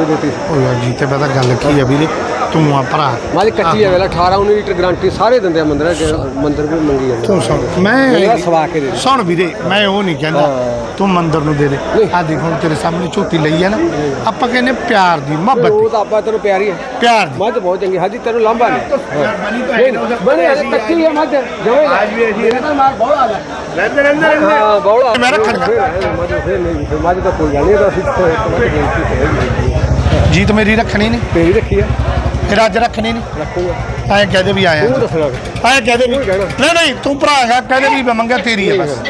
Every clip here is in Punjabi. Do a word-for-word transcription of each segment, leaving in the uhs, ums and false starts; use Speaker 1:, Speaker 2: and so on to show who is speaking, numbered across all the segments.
Speaker 1: देती
Speaker 2: जी तो पता गल की है वीरे तू आ भरा
Speaker 1: माली कच्ची है वेला अठारह उन्नीस लीटर गारंटी सारे दिंदे मंदिर मंदिर भी मंगी है
Speaker 2: तू सुन मैं
Speaker 1: सवा के दे
Speaker 2: सुन वीरे मैं वो नहीं कहना तू मंदिर नूं दे दे आ देख हुण तेरे सामने झोटी लई है ना आपां कहने प्यार दी मोहब्बत
Speaker 1: वो तो आपा तेनू प्यारी है
Speaker 2: प्यार दी
Speaker 1: मझ बहुत चंगी हाजी तेनू लांबा नहीं बने कच्ची है मझ जवे आज भी मेरे तो मार बहुत आ रहंदे रहंदे रहंदे हां बहुत
Speaker 2: मैं रखणगा
Speaker 1: मझ फिर नहीं मझ तो कोई गल नहीं तो असि
Speaker 2: जीत मेरी रखनी नहीं
Speaker 1: तेरी रखी है
Speaker 2: फिर अज रखनी नहीं
Speaker 1: रखूंगा
Speaker 2: ऐ कहदे भी आया
Speaker 1: तू दसना
Speaker 2: ऐ कहदे भी नहीं नहीं तू भरा है कहदे भी मंगा तेरी है बस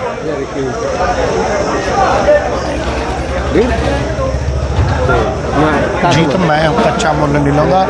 Speaker 2: जीत मैं कच्चा मुल नहीं लाऊंगा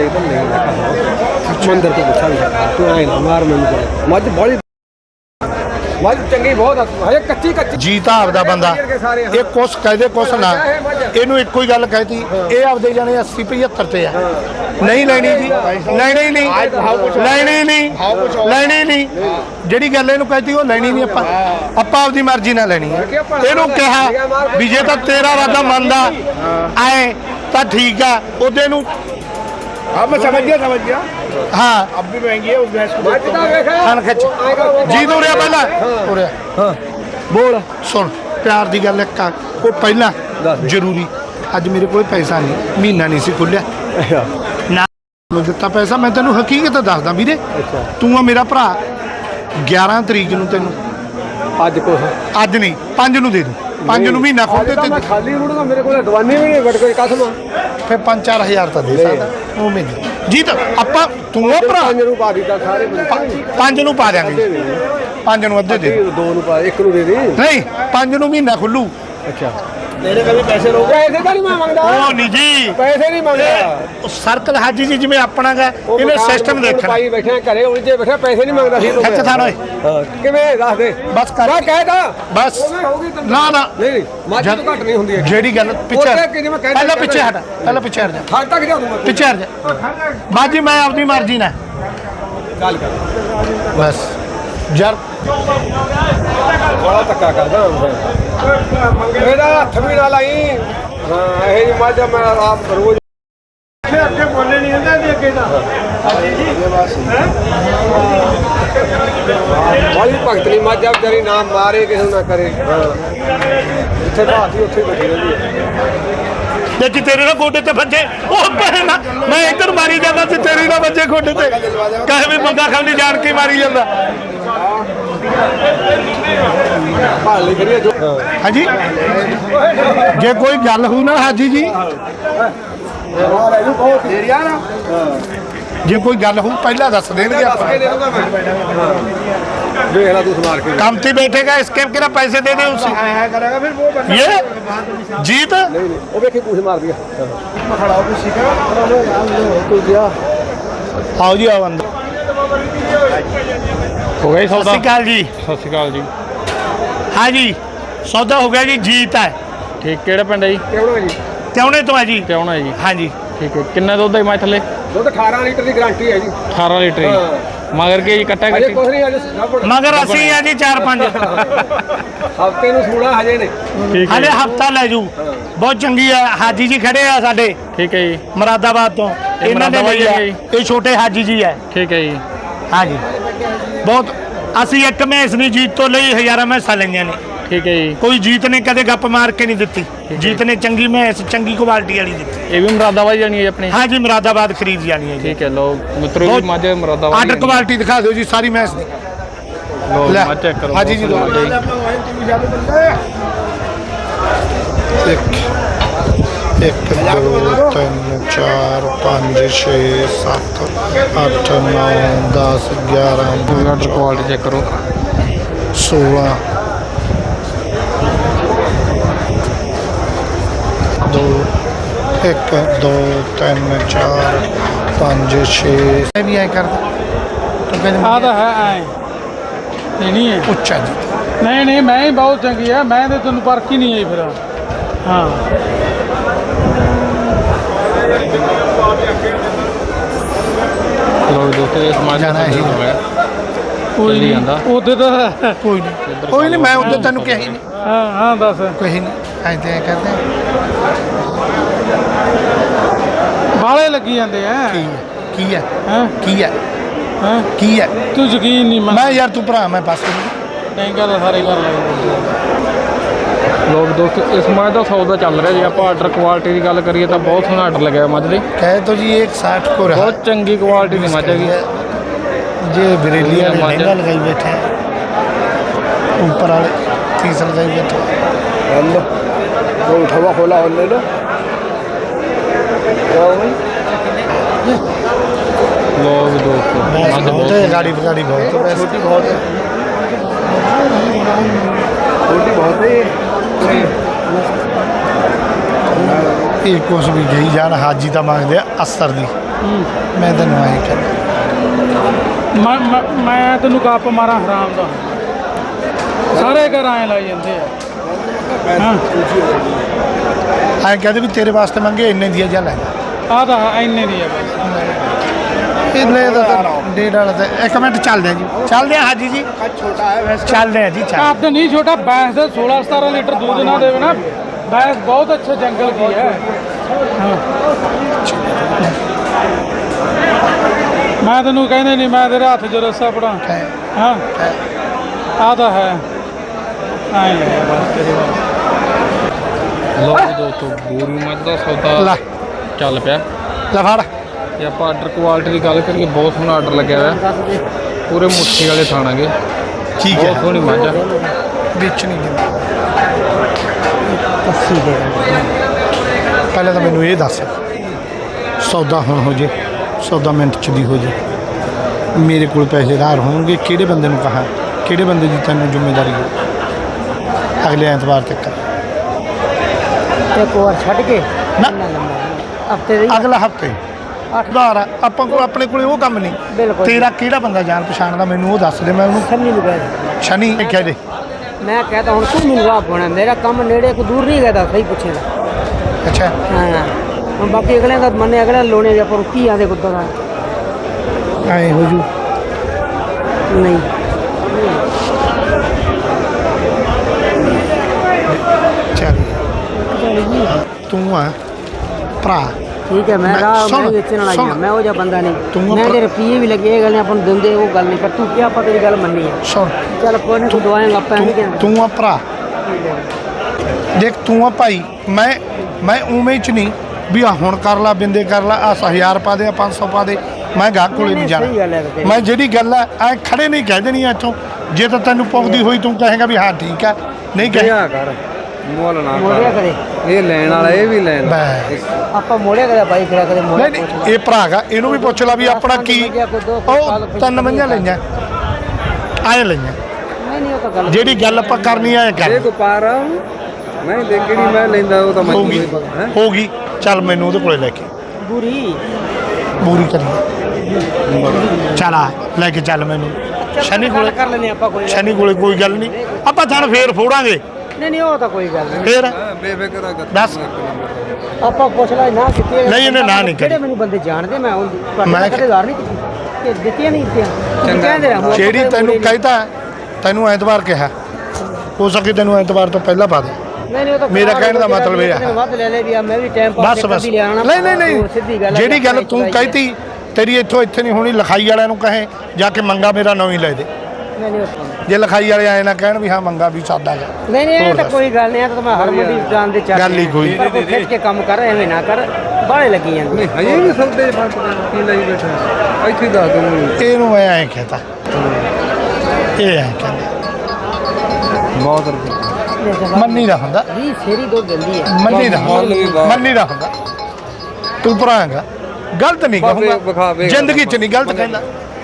Speaker 1: मंदिर तो पूछा तू आए ना मार मैनू मझ बड़ी मझ चंगी बहुत हजे कच्ची कच्ची
Speaker 2: जीत आपदा बंदा ये कुछ कहदे कुछ ना ਇਹਨੂੰ ਇੱਕੋ ਹੀ ਗੱਲ ਕਹਿਤੀ ਇਹ ਆਪਦੇ ਜਾਣੇ अस्सी पचहत्तर ਤੇ ਆ ਨਹੀਂ ਲੈਣੀ ਜੀ ਲੈਣੀ ਨਹੀਂ ਲੈਣੀ ਨਹੀਂ ਲੈਣੀ ਨਹੀਂ ਜਿਹੜੀ ਗੱਲ ਇਹਨੂੰ ਕਹਿਤੀ ਉਹ ਲੈਣੀ ਨਹੀਂ ਆਪਾਂ ਆਪਾਂ ਆਪਦੀ ਮਰਜ਼ੀ ਨਾਲ ਲੈਣੀ ਹੈ ਇਹਨੂੰ ਕਿਹਾ ਵੀ ਜੇ ਤਾਂ ਤੇਰਾ ਵਾਦਾ ਮੰਨਦਾ ਆਏ ਤਾਂ ਠੀਕ ਆ ਉਹਦੇ ਨੂੰ
Speaker 3: हाँ मैं समझ गया समझ गया
Speaker 2: हाँ
Speaker 3: अब भी महंगी है उस भैंस को
Speaker 2: खान खिच जी तो उड़िया पहला उड़िया
Speaker 1: हाँ बोल
Speaker 2: सुन प्यार की गल एक वो पहला जरूरी अज मेरे को पैसा नहीं महीना नहीं सी खुलिया ना दिता पैसा मैं तेन हकीकत दसदा वीरे तू आ मेरा भरा ग्यारह तरीक नूं तेनू
Speaker 1: अज को
Speaker 2: अज नहीं पांच नूं दे दूं पांच नूं महीना खोल दे
Speaker 1: मैं खाली रुड़ूंगा मेरे को दवानी भी नहीं बट कोई कसम
Speaker 2: फिर पांच चार हजार तो दे सकदा वो महीने जीत आपां तू आ भरा
Speaker 1: पांच नूं पा दिता सारे
Speaker 2: पांच नूं पा देंगे पांच नूं अद्धे दे
Speaker 1: दो नूं पा एक नूं दे दी
Speaker 2: नहीं पांच नूं महीना खुलू
Speaker 1: अच्छा तेरे कभी पैसे लोग पैसे तो नहीं मैं मांगदा
Speaker 2: ओ नहीं जी
Speaker 1: पैसे नहीं मांगदा
Speaker 2: सर्कल हाजी जी जिवें अपना गा इन्हें सिस्टम देखना
Speaker 1: भाई बैठे घरे उलझे बैठे पैसे नहीं मांगदा सी
Speaker 2: खिच था ओए
Speaker 1: हां किवें दस दे
Speaker 2: बस कर
Speaker 1: मैं कहदा
Speaker 2: बस ना ना
Speaker 1: नहीं नहीं मੱਝ ਤੋਂ ਘੱਟ ਨਹੀਂ ਹੁੰਦੀ ਹੈ
Speaker 2: ਜਿਹੜੀ ਗੱਲ ਪਿੱਛੇ ਪਹਿਲਾਂ ਪਿੱਛੇ ਹਟ ਪਹਿਲਾਂ ਪਿੱਛੇ ਹਟ ਜਾ
Speaker 1: ਹੱਦ ਤੱਕ ਜਾ ਦੂੰਗਾ
Speaker 2: ਪਿੱਛੇ ਹਟ ਜਾ ਬਾਜੀ ਮੈਂ ਆਪਣੀ ਮਰਜ਼ੀ ਨਾਲ
Speaker 1: ਗੱਲ ਕਰ
Speaker 2: ਬਸ ਯਾਰ
Speaker 1: ਬੜਾ ਧੱਕਾ ਕਰਦਾ ਇਹਦਾ ਹੱਥ ਵੀ ਨਾ ਲਾਈ ਹਾਂ ਇਹ ਜੀ ਮੱਝ ਮੈਂ ਆਪ ਰੋਜ਼ ਅੱਗੇ ਬੋਲੇ ਨਹੀਂ ਹੁੰਦਾ ਇਹਦੇ ਅੱਗੇ ਦਾ ਵਾਲੀ ਭਗਤ ਨਹੀਂ ਮੱਝ ਆ ਵਿਚਾਰੀ ਨਾ ਮਾਰੇ ਕਿਸੇ ਨੂੰ ਨਾ ਕਰੇ ਜਿੱਥੇ ਬਾਤੀ ਉੱਥੇ ਬੈਠੀ ਰਹਿੰਦੀ ਹੈ
Speaker 2: ਦੇਖੀ ਤੇਰੇ ਨਾਲ ਗੋਡੇ ਤੇ ਵੱਜੇ ਉਹ ਪਰੇ ਨਾ ਮੈਂ ਇੱਧਰ ਮਾਰੀ ਜਾਂਦਾ ਤੇ ਤੇਰੇ ਨਾਲ ਵੱਜੇ ਗੋਡੇ ਤੇ ਕਹੇ ਵੀ ਮੰਗਾ ਖਾਂਦੀ ਜਾਣ ਕੇ ਮਾਰੀ ਜਾਂਦਾ
Speaker 1: ਭਾਲੀ ਕਰੀਏ ਜੋ
Speaker 2: ਹਾਂਜੀ ਜੇ ਕੋਈ ਗੱਲ ਹੋਈ ਨਾ ਹਾਜੀ ਜੀ ਜੇ ਕੋਈ ਗੱਲ ਹੋ ਪਹਿਲਾਂ ਦੱਸ ਦੇਣਗੇ ਆਪਾਂ
Speaker 1: देख ला तू मार के
Speaker 2: काम पे बैठेगा इसके के पैसे दे दे उसे
Speaker 3: करेगा फिर वो
Speaker 2: ये जीत
Speaker 1: नहीं नहीं वो देखे पूछ मार दिया
Speaker 3: खड़ा हो सीखा
Speaker 1: तू दिया
Speaker 2: आओ जी आओ अंदर
Speaker 4: हो गया
Speaker 2: सत श्री अकाल जी
Speaker 4: सत श्री अकाल जी
Speaker 2: हाँ जी सौदा हो गया जी जीत है
Speaker 4: ठीक ਕਿਹੜਾ ਪਿੰਡ ਹੈ ਜੀ
Speaker 1: ਕਿਉਂ ਜੀ
Speaker 2: त्योने तो है जी
Speaker 4: ਕਿਉਣਾ ਹੈ ਜੀ
Speaker 2: हाँ जी
Speaker 4: ਠੀਕ ਹੈ ਕਿੰਨਾ ਦੁੱਧ ਹੈ ਮੈਂ ਥੱਲੇ
Speaker 1: ਦੁੱਧ ਅਠਾਰਾਂ ਲੀਟਰ ਦੀ ਗਾਰੰਟੀ ਹੈ ਜੀ
Speaker 4: ਅਠਾਰਾਂ ਲੀਟਰ ਜੀ ਮਗਰ ਕੇ ਜੀ ਕੱਟਾ
Speaker 1: ਅਜੇ
Speaker 4: ਕੱਟੀ
Speaker 1: ਕੁਛ ਨਹੀਂ ਅਜੇ
Speaker 2: मगर असी है जी चार पांच
Speaker 1: ਹਫਤੇ ਨੂੰ ਸੂਣਾ ਹਜੇ ਨੇ
Speaker 4: ਠੀਕ ਹੈ
Speaker 2: हले हफ्ता ले जू बहुत चंगी है हाजी जी खड़े है साडे
Speaker 4: ਠੀਕ ਹੈ ਜੀ
Speaker 2: मुरादाबाद तो इन्होंने
Speaker 4: मुरादाबाद
Speaker 2: ਲਈ
Speaker 4: ही
Speaker 2: है
Speaker 4: है
Speaker 2: ये छोटे हाजी जी है
Speaker 4: ਠੀਕ ਹੈ ਜੀ
Speaker 2: हाँ जी बहुत ਅਸੀਂ ਇੱਕ ਮੈਸ ਨਹੀਂ ਜੀਤ ਤੋਂ ਲਈ ਹਜ਼ਾਰਾਂ ਮੈਸਾਂ ਲਈਆਂ ਨੇ
Speaker 4: ਠੀਕ ਹੈ ਜੀ
Speaker 2: ਕੋਈ ਜੀਤ ਨੇ ਕਦੇ ਗੱਪ ਮਾਰ ਕੇ ਨਹੀਂ ਦਿੱਤੀ ਜੀਤ ਨੇ ਚੰਗੀ ਮੈਸ ਚੰਗੀ ਕੁਆਲਿਟੀ ਵਾਲੀ ਦਿੱਤੀ
Speaker 4: ਇਹ ਵੀ ਮੁਰਾਦਾਬਾਦ ਜਾਣੀ ਹੈ ਆਪਣੀ
Speaker 2: हाँ जी मुरादाबाद खरीद जानी है जी
Speaker 4: ਠੀਕ ਹੈ ਲੋ ਮਿੱਤਰੋ ਜੀ ਮੱਝ ਮੁਰਾਦਾਬਾਦ
Speaker 2: आर्डर क्वालिटी दिखा दो जी सारी मैस दी
Speaker 4: ਲੋ
Speaker 2: ਲੈ।
Speaker 4: ਮੱਝ ਚੈੱਕ ਕਰੋ
Speaker 2: हाँ जी जी लो एक एक दो तीन चार पाँच छः सात अठ नौ दस ग्यारह
Speaker 4: ਆਰਡਰ ਕੁਆਲਿਟੀ ਚੈੱਕ ਕਰੋ
Speaker 2: सोलह दो एक दो तीन चार पाँच छः भी आए कर
Speaker 5: ਆ ਤਾਂ ਹੈ ਐ ਇਹ ਨਹੀਂ ਹੈ
Speaker 2: उच्चा जी
Speaker 5: ਨਹੀਂ ਨਹੀਂ ਮੈਂ ਹੀ ਬਹੁਤ ਚੰਗੀ ਆ ਮੈਂ ਤੇ ਤੈਨੂੰ ਪਰਖ ਹੀ ਨਹੀਂ ਆਈ ਫਿਰ ਹਾਂ
Speaker 4: ਲੋ ਦੋਸਤੋ ਇਸ ਮੱਝ
Speaker 2: ਜਾਣਾ
Speaker 4: ਦਾ
Speaker 2: ਹੀ
Speaker 4: ਦੁੱਧ ਹੈ
Speaker 5: ਕੋਈ
Speaker 4: ਚੱਲੀ
Speaker 5: ਨਹੀਂ
Speaker 4: ਜਾਂਦਾ।
Speaker 5: ਉਹਦੇ ਤਾਂ
Speaker 2: कोई नहीं कोई नहीं मैं उधर तेन कही नहीं
Speaker 5: ਹਾਂ ਹਾਂ ਦੱਸ
Speaker 2: कही नहीं ऐसे करते
Speaker 5: ਲੱਗੀ ਜਾਂਦੇ ਆ
Speaker 2: ਕੀ ਹੈ ਕੀ ਹੈ
Speaker 5: ਹਾਂ
Speaker 2: ਕੀ ਹੈ
Speaker 5: ਹਾਂ
Speaker 2: ਕੀ ਹੈ
Speaker 5: ਤੂੰ ਯਕੀਨ ਨਹੀਂ ਮੰਨ
Speaker 2: ਮੈਂ ਯਾਰ ਤੂੰ ਭਰਾ ਮੈਂ ਪਾਸੇ
Speaker 5: ਨਹੀਂ ਗੱਲ ਸਾਰੇ ਕਰ ਲੈ
Speaker 4: ਲੋਕ ਦੋਸਤੋ ਇਸ ਮੱਝ ਦਾ ਸੌਦਾ ਚੱਲ ਰਿਹਾ ਜੇ ਆਪਾਂ ਆਰਡਰ ਕੁਆਲਿਟੀ ਦੀ ਗੱਲ ਕਰੀਏ ਤਾਂ ਬਹੁਤ ਸੋਹਣਾ ਆਰਡਰ ਲੱਗਿਆ ਮੱਝ ਦੇ
Speaker 2: ਕਹੇ तो जी एक साठ को रहा
Speaker 4: ਬਹੁਤ ਚੰਗੀ ਕੁਆਲਿਟੀ ਦੀ ਮੱਝ ਹੈਗੀ
Speaker 2: जे बरेली वाले लहंगा लगाई बैठे हैं ऊपर वाले तीस लगाई बैठे हैं
Speaker 1: हल्लो तो उठावा खोला और ले लो क्या हो गई
Speaker 4: ਲੋਕ ਦੋਸਤੋ
Speaker 2: भैंस
Speaker 4: ਮੱਝ
Speaker 2: बहुत
Speaker 4: ਬਹੁਤ
Speaker 2: है गाड़ी गाड़ी बहुत है
Speaker 1: छोटी बहुत है छोटी बहुत है ये
Speaker 2: ਇਹ ਕੁਛ ਵੀ ਗਈ ਜਾਣ ਹਾਜੀ ਤਾਂ ਮੰਗਦੇ ਆ ਅਸਰ ਦੀ ਮੈਂ ਤੈਨੂੰ ਆਏ ਕਹਿੰਦਾ
Speaker 5: ਮੈਂ ਮੈਂ- ਮੈਂ ਤੈਨੂੰ ਗੱਪ ਮਾਰਾਂ ਹਰਾਮ ਦਾ ਸਾਰੇ ਘਰ ਐਂ ਲਾਈ ਜਾਂਦੇ ਆ ਹਾਂ
Speaker 2: ਐਂ ਕਹਦੇ ਵੀ ਤੇਰੇ ਵਾਸਤੇ ਮੰਗੇ ਇੰਨੇ ਦੀ ਜਾ ਲੈ
Speaker 5: ਆ ਤਾਂ ਇੰਨੇ ਦੀ ਆ ਬਸ
Speaker 2: ਇੰਨੇ ਦਾ ਤਾਂ ਡੇਢ ਵਾਲਾ ਤੇ ਇੱਕ ਮਿੰਟ ਚੱਲਦੇ ਆ ਜੀ ਚੱਲਦੇ ਆ ਹਾਜੀ ਜੀ
Speaker 3: छोटा है भैंस
Speaker 2: ਚੱਲਦੇ ਆ ਜੀ ਚੱਲ
Speaker 5: ਕੱਦ ਨਹੀਂ ਛੋਟਾ ਭੈਂਸ ਦੇ सोलह सतारह लीटर दूध ना देवे ना भैंस बहुत अच्छे जंगल की है हाँ। मैं तेनू कहने नहीं मैं तेरे हाथ च रस्सा पड़ा हाँ आता है आए ले बस तेरी बात
Speaker 4: ਲੋਕ ਦੋਸਤੋ ਬੂਰੀ ਮੱਝ ਦਾ ਸੌਦਾ
Speaker 2: ਲੈ
Speaker 4: ਚੱਲ ਪਿਆ
Speaker 2: ਲੈ ਫੜ
Speaker 4: ਜੇ ਆਪਾਂ ਆਰਡਰ ਕੁਆਲਿਟੀ ਦੀ ਗੱਲ ਕਰੀਏ ਬਹੁਤ ਸੋਹਣਾ ਆਰਡਰ ਲੱਗਿਆ ਹੋਇਆ ਪੂਰੇ ਮੁੱਠੀ ਵਾਲੇ ਥਾਣਾਗੇ
Speaker 2: ਠੀਕ
Speaker 4: ਬਹੁਤ
Speaker 2: ਹੈ
Speaker 4: ਸੋਹਣੀ ਮੱਝ ਆ
Speaker 2: ਵਿੱਚ ਨਹੀਂ ਦਿੰਦਾ ਪਹਿਲਾਂ ਤਾਂ ਮੈਨੂੰ ਇਹ ਦੱਸ ਸੌਦਾ ਹੁਣ ਹੋ ਜੇ ਸੌਦਾ ਮਿੰਟ ਚ ਦੀ ਹੋ ਜੇ ਮੇਰੇ ਕੋਲ ਪੈਸੇਦਾਰ ਹੋਣਗੇ ਕਿਹੜੇ ਬੰਦੇ ਨੂੰ ਕਹਾਂ ਕਿਹੜੇ ਬੰਦੇ ਦੀ ਤੈਨੂੰ ਜ਼ਿੰਮੇਵਾਰੀ ਹੈ ਅਗਲੇ ਐਤਵਾਰ ਤੱਕ
Speaker 6: ਇੱਕ ਵਾਰ ਛੱਡ ਕੇ
Speaker 2: ਨਾ
Speaker 6: ਹਫਤੇ ਦੀ
Speaker 2: ਅਗਲਾ ਹਫਤੇ ਉਧਾਰ ਆ, ਆਪਾਂ ਕੋਲ ਆਪਣੇ ਕੋਲੇ ਉਹ ਕੰਮ ਨਹੀਂ
Speaker 6: ਬਿਲਕੁਲ।
Speaker 2: ਤੇਰਾ ਕਿਹੜਾ ਬੰਦਾ ਜਾਣ ਪਛਾਣ ਦਾ ਮੈਨੂੰ ਉਹ ਦੱਸ ਦੇ ਮੈਂ ਉਹਨੂੰ
Speaker 6: ਸੰਨੀ ਨੂੰ ਕਹਿ
Speaker 2: ਸ਼ਨੀ ਕਹਿ ਦੇ
Speaker 6: ਮੈਂ ਕਹਤਾ ਹੁਣ ਤੂੰ ਮੈਨੂੰ ਆਪ ਹੋਣਾ ਮੇਰਾ ਕੰਮ ਨੇੜੇ ਕੋ ਦੂਰ ਨਹੀਂ ਹੈਗਾ ਸਹੀ ਪੁੱਛੇਗਾ
Speaker 2: ਅੱਛਾ
Speaker 6: ਹਾਂ ਹੁਣ ਬਾਕੀ ਅਗਲੇ ਦਾ ਮੰਨੇ ਅਗਲੇ ਲੋਣੇ ਜਾਂ ਪਰ ਕੀ ਆਦੇ ਕੁੱਤਾ ਦਾ
Speaker 2: ਐ ਹੋ ਜੂ
Speaker 6: ਨਹੀਂ
Speaker 2: ਚੱਲ ਤੂੰ ਆ ਭਰਾ
Speaker 6: ਠੀਕ ਹੈ ਮੈਂ
Speaker 2: ਮੈਂ-
Speaker 6: ਰਾਹ
Speaker 2: ਸੁਣ,
Speaker 6: ਮੈਂ ਵੇਚਣ ਵਾਲਾ ਹੀ ਹਾਂ
Speaker 2: ਸੁਣ।
Speaker 6: ਮੈਂ ਉਹ ਜਿਹਾ ਬੰਦਾ ਨਹੀਂ
Speaker 2: ਤੂੰ
Speaker 6: ਮੈਂ
Speaker 2: ਆਪਣਾ-
Speaker 6: ਜੇ ਰੁਪਈਏ ਵੀ ਲੱਗੇ ਇਹ ਗੱਲ ਆਪਾਂ ਨੂੰ ਦਿੰਦੇ ਉਹ ਗੱਲ ਨਹੀਂ ਪਰ ਤੂੰ ਕਿਹਾ ਆਪਾਂ ਤੇਰੀ ਗੱਲ ਮੰਨੀ ਹੈ
Speaker 2: ਸੁਣ
Speaker 6: ਚੱਲ ਕੋਈ ਨਹੀਂ ਤੂੰ ਦਵਾਏਂਗਾ ਆਪਾਂ ਨਹੀਂ
Speaker 2: ਤੂੰ
Speaker 6: ਕਹਿੰਦੇ
Speaker 2: ਤੂੰ ਆ ਭਰਾ ਦੇਖ ਤੂੰ ਆ ਭਾਈ ਮੈਂ ਮੈਂ ਉਵੇਂ ਚ ਨਹੀਂ ਵੀ ਆ ਹੁਣ ਕਰ ਲਾ ਬਿੰਦੇ ਕਰ ਲਾ ਆ ਹਜ਼ਾਰ ਪਾ ਦੇ ਆ ਪੰਜ ਸੌ ਪਾ ਦੇ ਮੈਂ ਗਾਹਕ ਕੋਲੇ ਨਹੀਂ
Speaker 6: ਸਹੀ ਗੱਲ ਹੈ
Speaker 2: ਜਾਣਾ
Speaker 6: ਤੇਰੀ।
Speaker 2: ਮੈਂ ਜਿਹੜੀ ਗੱਲ ਆ ਐ ਖੜੇ ਨਹੀਂ ਕਹਿ ਦੇਣੀ ਇੱਥੋਂ ਜੇ ਤਾਂ ਤੈਨੂੰ ਪੌਂਦੀ ਹੋਈ ਤੂੰ ਕਹੇਗਾ ਵੀ ਹਾਂ ਠੀਕ ਆ ਨਹੀਂ ਕਹੇ
Speaker 1: ਕਰ ਮੁੱਲ ਨਾ
Speaker 6: ਮੋੜਿਆ ਕਰੇ
Speaker 1: ਇਹ ਲੈਣ ਵਾਲਾ ਇਹ ਵੀ ਲੈਣ
Speaker 2: ਬਸ
Speaker 6: ਆਪਾਂ ਮੋੜਿਆ ਕਰੇ ਬਾਈ ਕਰਿਆ ਕਦੇ ਮੋੜਿਆ
Speaker 2: ਨਹੀਂ ਨਹੀਂ ਇਹ ਭਰਾ ਗਾ ਇਹਨੂੰ ਵੀ ਪੁੱਛ ਲਾ ਵੀ ਆਪਣਾ ਕੀ ਉਹ ਤਿੰਨ ਮੰਝਾਂ ਲਈਆਂ ਆਏ ਲਈਆਂ
Speaker 6: ਨਹੀਂ ਨਹੀਂ ਉਹ ਤਾਂ ਗੱਲ
Speaker 2: ਜਿਹੜੀ ਗੱਲ ਆਪਾਂ ਕਰਨੀ ਆ ਇਹ ਕਰ
Speaker 1: ਕੋ ਪਾਰ ਮੈਂ ਦੇ ਕਿਹੜੀ ਮੈਂ ਲੈਂਦਾ ਉਹ ਤਾਂ
Speaker 2: ਹੋਗੀ ਹੋਗੀ ਚੱਲ ਮੈਨੂੰ ਉਹਦੇ ਕੋਲੇ ਲੈ ਕੇ
Speaker 6: ਬੁਰੀ
Speaker 2: ਪੂਰੀ ਕਰੀਏ ਚੱਲ ਆ ਲੈ ਕੇ ਚੱਲ ਮੈਨੂੰ ਸ਼ਨੀ
Speaker 6: ਗੱਲ
Speaker 2: ਕੋਲੇ
Speaker 6: ਕਰ ਲੈਨੇ ਆਪਾਂ ਕੋਈ
Speaker 2: ਸ਼ਨੀ ਕੋਲੇ ਕੋਈ ਗੱਲ ਨਹੀਂ ਆਪਾਂ ਥਣ ਫੇਰ ਫੋੜਾਂਗੇ
Speaker 6: ਨਹੀਂ ਨਹੀਂ ਉਹ ਤਾਂ ਕੋਈ ਗੱਲ ਨਹੀਂ
Speaker 2: ਫੇਰ
Speaker 1: ਬੇਫਿਕਰ ਆ
Speaker 2: ਦੱਸ
Speaker 6: ਆਪਾਂ ਪੁੱਛ ਲੈ ਨਾ ਕੀਤੀ ਹੈ।
Speaker 2: ਨਹੀਂ, ਇਹਨੇ ਨਾ ਨਹੀਂ ਕਰੀ।
Speaker 6: ਜਿਹੜੇ ਮੈਨੂੰ ਬੰਦੇ ਜਾਣਦੇ ਮੈਂ ਉਹ
Speaker 2: ਮੈਂ
Speaker 6: ਮੈਂ ਕਦੇ ਜ਼ਾਰ ਨਹੀਂ ਕੀਤੀ ਕਿ ਦਿੱਤੀਆਂ ਨਹੀਂ ਦਿੱਤੀਆਂ ਤੁਸੀਂ ਕਹਿੰਦੇ ਰਹੇ ਹੋ,
Speaker 2: ਜਿਹੜੀ
Speaker 6: ਆਪਾਂ
Speaker 2: ਤੈਨੂੰ
Speaker 6: ਮੁੜੇ ਨਹੀਂ।
Speaker 2: ਕਹਿਤਾ ਤੈਨੂੰ ਐਤਵਾਰ ਕਿਹਾ ਹੋ ਸਕੇ ਤੈਨੂੰ ਐਤਵਾਰ ਤੋਂ ਪਹਿਲਾਂ ਪਾ ਦੇ
Speaker 6: ਨਹੀਂ ਨਹੀਂ ਉਹ ਤਾਂ
Speaker 2: ਮੇਰਾ ਕਹਿਣ ਦਾ ਮਤਲਬ ਇਹ ਆ।
Speaker 6: ਵੱਧ ਲੈ ਲੈ ਵੀ ਆ ਮੈਂ ਵੀ ਟਾਈਮ ਪਾਸ
Speaker 2: ਬਸ ਬਸ
Speaker 6: ਕਰਦੀ ਲਿਆਣਾ
Speaker 2: ਨਹੀਂ ਨਹੀਂ
Speaker 6: ਉਹ ਸਿੱਧੀ
Speaker 2: ਨਹੀਂ
Speaker 6: ਗੱਲ ਹੈ
Speaker 2: ਜਿਹੜੀ
Speaker 6: ਵੀ
Speaker 2: ਗੱਲ
Speaker 6: ਆਪਾਂ
Speaker 2: ਤੂੰ
Speaker 6: ਇੱਕ
Speaker 2: ਕਹਿਤੀ ਤੇਰੀ ਇੱਥੋਂ ਇੱਥੇ ਨਹੀਂ ਹੋਣੀ ਲਿਖਾਈ ਵਾਲਿਆਂ ਨੂੰ ਕਹੇ ਜਾ ਕੇ ਮੰਗਾ ਮੇਰਾ ਨਵੀਂ ਲੈ ਦੇ
Speaker 6: ਨਹੀਂ ਨਹੀਂ ਉਹ-
Speaker 2: ਜੇ ਲਿਖਾਈ ਵਾਲੇ ਆਏ ਨਾ ਕਹਿਣ ਵੀ ਹਾਂ ਮੰਗਾ ਵੀ ਸਾਦਾ ਗਾ
Speaker 6: ਨਹੀਂ ਨਹੀਂ ਇਹ
Speaker 2: ਹੋਰ
Speaker 6: ਤਾਂ
Speaker 2: ਦੱਸ।
Speaker 6: ਕੋਈ ਗੱਲ ਨਹੀਂ ਇਹ ਤਾਂ ਮੈਂ ਹਰ ਮੰਡੀ ਜਾਣ ਦੇ ਚੱਲ
Speaker 2: ਗੱਲ ਹੀ ਕੋਈ।
Speaker 6: ਪਰ ਕੋਈ ਖਿੱਚ ਕੇ ਕੰਮ ਕਰ ਐਵੇਂ ਨਾ ਕਰ ਬਾਹਲੇ ਲੱਗੀ ਜਾਂਦੇ
Speaker 1: ਹਜੇ ਵੀ ਸੌਦੇ ਚ ਫਰਕ ਕੀ ਲਈ ਬੈਠਾ ਇੱਥੇ ਹੀ ਦੱਸ ਦੋ ਮੈਨੂੰ
Speaker 2: ਇਹਨੂੰ ਮੈਂ ਐਂ ਕਹਤਾ ਇਹ ਐਂ ਕਹਿੰਦਾ
Speaker 1: ਬਹੁਤ ਰੁਪਏ
Speaker 2: ਮੰਨੀ ਦਾ ਹੁੰਦਾ
Speaker 6: ਵੀ ਫੇਰੀ ਦੋ ਦਿੰਦੀ ਹੈ
Speaker 2: ਮੰਨੀ ਦਾ
Speaker 1: ਮੁੱਲ ਵੀ ਬਹੁਤ।
Speaker 2: ਮੰਨੀ ਦਾ ਹੁੰਦਾ ਤੂੰ ਭਰਾਂਗਾ ਗਲਤ ਨਹੀਂ
Speaker 1: ਬਸ ਵਿਖਾ-
Speaker 2: ਕਹੂੰਗਾ
Speaker 1: ਵਿਖਾ।
Speaker 2: ਜ਼ਿੰਦਗੀ 'ਚ ਨਹੀਂ ਗਲਤ ਕਹਿੰਦਾ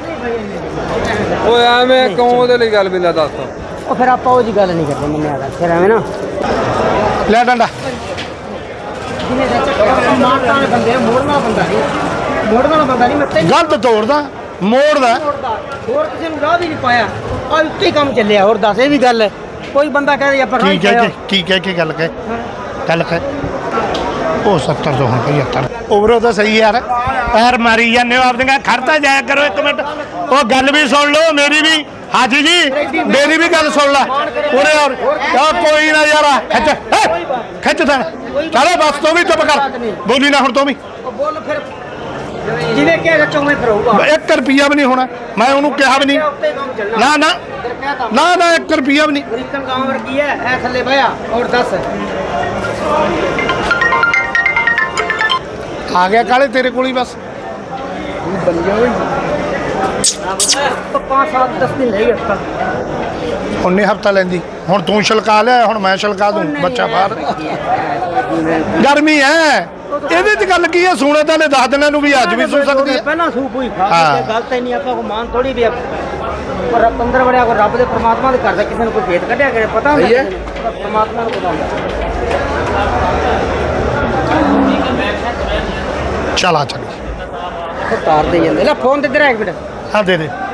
Speaker 1: ਓਏ ਐਵੇਂ ਕਿਉਂ ਉਹਦੇ ਲਈ ਗੱਲ ਬਿੰਦਾ ਦੱਸ
Speaker 6: ਉਹ ਫਿਰ ਆਪਾਂ ਉਹ ਜੀ ਗੱਲ ਨਹੀਂ ਕਰਦੇ ਮੰਨਿਆ ਕਰ ਫਿਰ ਐਵੇਂ ਨਾ
Speaker 2: ਲੈ ਡੰਡਾ
Speaker 6: ਜਿਹਨੇ ਦਾ ਚੱਕਰ ਮਾਰਤਾ ਵਾਲੇ ਬੰਦੇ ਆ, ਮੋੜਨ ਵਾਲਾ ਬੰਦਾ ਨਹੀਂ ਮੋੜਨ ਵਾਲਾ ਬੰਦਾ ਨਹੀਂ ਮੈਂ ਤੈਨੂੰ
Speaker 2: ਗਲਤ ਤੋੜਦਾ ਮੋੜਦਾ
Speaker 6: ਮੋੜਦਾ ਹੋਰ ਕਿਸੇ ਨੂੰ ਰਾਹ ਵੀ ਨਹੀਂ ਪਾਇਆ ਆ ਉੱਤੇ ਹੀ ਕੰਮ ਚੱਲਿਆ ਹੋਰ ਦੱਸ ਇਹ ਵੀ ਗੱਲ ਹੈ ਕੋਈ ਬੰਦਾ ਕਹੇ ਆਪਾਂ ਰਾਹ
Speaker 2: ਕੀ
Speaker 6: ਹੀ
Speaker 2: ਕਹਿ
Speaker 6: ਪਾਇਆ
Speaker 2: ਕੇ ਕੀ ਕਹਿ ਕੇ ਗੱਲ ਕਹਿ ਗੱਲ ਕਹਿ ਉਹ ਸੱਤਰ ਤੋਂ ਹੁਣ ਪਝੱਤਰ ਓਵਰੋ ਤਾਂ ਸਹੀ ਯਾਰ ਪੈਰ ਮਾਰੀ ਜਾਂਦੇ ਹੋ ਆਪਦੀਆਂ ਖੜਤਾ ਜਾਇਆ ਕਰੋ ਇੱਕ ਮਿੰਟ ਉਹ ਗੱਲ ਵੀ ਸੁਣ ਲਓ ਮੇਰੀ ਵੀ ਹਾਜੀ ਜੀ ਮੇਰੀ ਵੀ ਗੱਲ ਸੁਣ ਲੈ ਉਰੇ ਔਰ ਆ ਕੋਈ ਨਾ ਯਾਰ ਖਿੱਚ ਹੈਂ, ਖਿੱਚ ਤਾਂ ਚਲੋ ਬਸ ਤੂੰ ਵੀ ਚੁੱਪ ਕਰ ਬੋਲੀ ਨਾ ਹੁਣ ਤੂੰ ਵੀ
Speaker 6: ਉਹ ਬੋਲ ਫਿਰ ਜਿਹਨੇ ਕਿਹਾ ਸੱਚੋ ਮੈਂ ਫਰੂਗਾ
Speaker 2: ਇੱਕ ਰੁਪਿਆ ਵੀ ਨਹੀਂ ਹੋਣਾ। ਮੈਂ ਉਹਨੂੰ ਕਿਹਾ ਵੀ ਨਹੀਂ,
Speaker 6: ਉੱਤੇ ਕੰਮ ਚੱਲਣਾ
Speaker 2: ਨਾ ਨਾ ਨਾ ਨਾ ਇੱਕ ਰੁਪਿਆ ਵੀ ਨਹੀਂ।
Speaker 6: ਅਮਰੀਕਨ ਗਾਂਵ ਵਰਗੀ ਹੈ ਐ ਥੱਲੇ ਬਿਆ ਔਰ ਦੱਸ
Speaker 2: ਆ ਗਿਆ ਕਾਲੇ ਤੇਰੇ ਕੋਲ ਹੀ ਬਸ।
Speaker 6: तो पाँच सात दस दिन ले गया
Speaker 2: ਉਹਨੇ ਹਫਤਾ ਲੈਂਦੀ। ਹੁਣ ਤੂੰ ਛਲਕਾ ਲਿਆ, ਹੁਣ ਮੈਂ ਛਲਕਾ ਦੂੰ। ਬੱਚਾ ਬਾਹਰ ਗਰਮੀ ਹੈ, ਇਹਦੇ ਚ ਗੱਲ ਕੀ ਹੈ? ਸੂਣੇ ਤਾਂ ਨੇ ਦਸ ਦਿਨਾਂ ਨੂੰ ਵੀ ਅੱਜ ਵੀ ਸੂ ਸਕਦੀ ਹੈ।
Speaker 6: ਪਹਿਲਾਂ ਸੂਪ ਹੋਈ ਖਾ
Speaker 2: ਹਾਂ।
Speaker 6: ਕੇ ਗਲਤ ਹੀ ਨਹੀਂ ਆਪਾਂ ਕੋ ਮਾਨ ਥੋੜੀ ਵੀ ਪਰ ਅੰਦਰ ਵੜਿਆ ਕੋ ਰੱਬ ਦੇ ਪ੍ਰਮਾਤਮਾ ਦੇ ਕਰਦਾ ਕਿਸੇ ਨੂੰ ਕੋਈ ਭੇਤ ਕੱਢਿਆ ਕਰੇ ਪਤਾ ਹੁੰਦਾ ਕਿਸੇ ਨੂੰ, ਪ੍ਰਮਾਤਮਾ ਨੂੰ ਪਤਾ ਹੁੰਦਾ।
Speaker 2: ਚਲਾ ਚੱਲ
Speaker 6: ਤਾਰ ਦੇ ਜਾਂਦੇ ਲੈ ਫੋਨ ਤੇ ਇਧਰ ਆ ਇੱਕ ਮਿੰਟ
Speaker 2: ਹਾਂ ਦੇ ਦੇ।